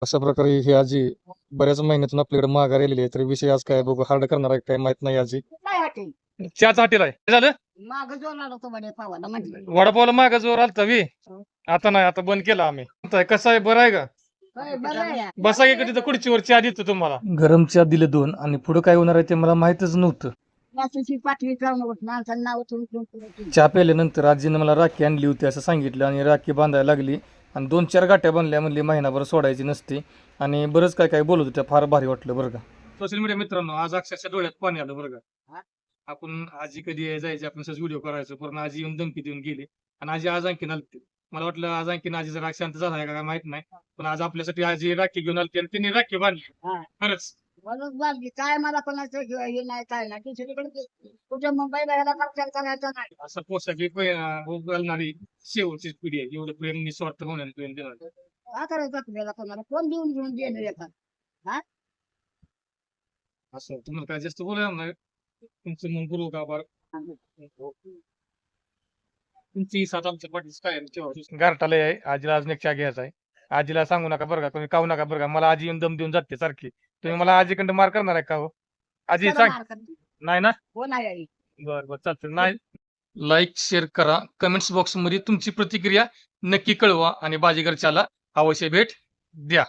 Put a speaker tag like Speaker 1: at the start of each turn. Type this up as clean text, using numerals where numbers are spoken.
Speaker 1: अशा प्रकारे ही आजी बऱ्याच महिन्यातून आपल्याकडे माघार आलेली आहे. तर विषय आज काय बघू, हार्ड करणार आहे काय माहित नाही आजी.
Speaker 2: काय वाटेल
Speaker 3: चहाच हॉटेल आहे काय झालं
Speaker 2: माग जो आला तो म्हणे पावाला म्हटलं
Speaker 3: वडापावला माग जोर आलता वी आता नाही, आता बंद केला आम्ही. कसं आहे, बरं आहे का?
Speaker 2: होय, बरं आहे.
Speaker 3: बसा की तिथं खुर्चीवर चहा देतो तुम्हाला.
Speaker 1: गरम चहा दिले 2 आणि पुढे काय होणार आहे ते मला माहितच नव्हतं.
Speaker 2: माणसाची पाठवी करू नको, माणसाचं नाव उचलून
Speaker 1: चहा प्यायल्यानंतर आजीनं मला राखी आणली होती असं सांगितलं आणि राखी बांधायला लागली आणि 2-4 गाठ्या बांधल्या, म्हणली महिनाभर सोडायची नसते आणि बरंच काय काय बोलत होत्या. फार भारी वाटलं बरं का.
Speaker 3: सोशल मीडिया मित्रांनो, आज अक्षरशः डोळ्यात पाणी आलं बरं
Speaker 2: हा?
Speaker 3: का. आपण आजी कधी जायची, आपण व्हिडिओ करायचो, पण आजी येऊन धमकी देऊन गेली आणि आजी आज आणखीन आलती. मला वाटलं आज आणखीन आजी जरा शांत झाला आहे का काय माहित नाही, पण आज आपल्यासाठी आजी राखी घेऊन आलती आणि तिने राखी बांधली.
Speaker 2: हा.
Speaker 3: खरंच
Speaker 2: म्हणून बांधली. काय मला कोणाचं हे नाही काय नाही दुसरीकडे कुठे मुंबईला ह्याला प्रचार करायचा नाही.
Speaker 3: असं पोशाख घालणारी शेवटची पिढी आहे. एवढं प्रेम निस्वार्थ होण्यान प्रेम देणार.
Speaker 2: काय करायचं आपल्याला कोणाला कोण देऊन घेऊन देणं येतात.
Speaker 3: असं तुम्हाला काय जास्त बोलायला नाही. तुमचं मन गुरु का बार तुमची साथ आमच्या पाठीस कायम ठेवा. गारठाला आहे, आजीला अजून एक चहा घ्यायचा आहे. आजीला सांगू नका बरं का, तुम्ही खाऊ नका बरं का. मला आजी येऊन दम देऊन जाते सारखी. तुम्ही मला आजीकडे मार करणार आहे का हो? आजी
Speaker 2: चला
Speaker 3: सांग.
Speaker 2: मार करते.
Speaker 3: नाही ना?
Speaker 2: हो नाही आई.
Speaker 3: बरं बरं चालतं. नाही, लाईक शेअर करा, कमेंट्स बॉक्स मध्ये तुमची प्रतिक्रिया नक्की कळवा आणि बाजीगरच्याला अवश्य भेट द्या.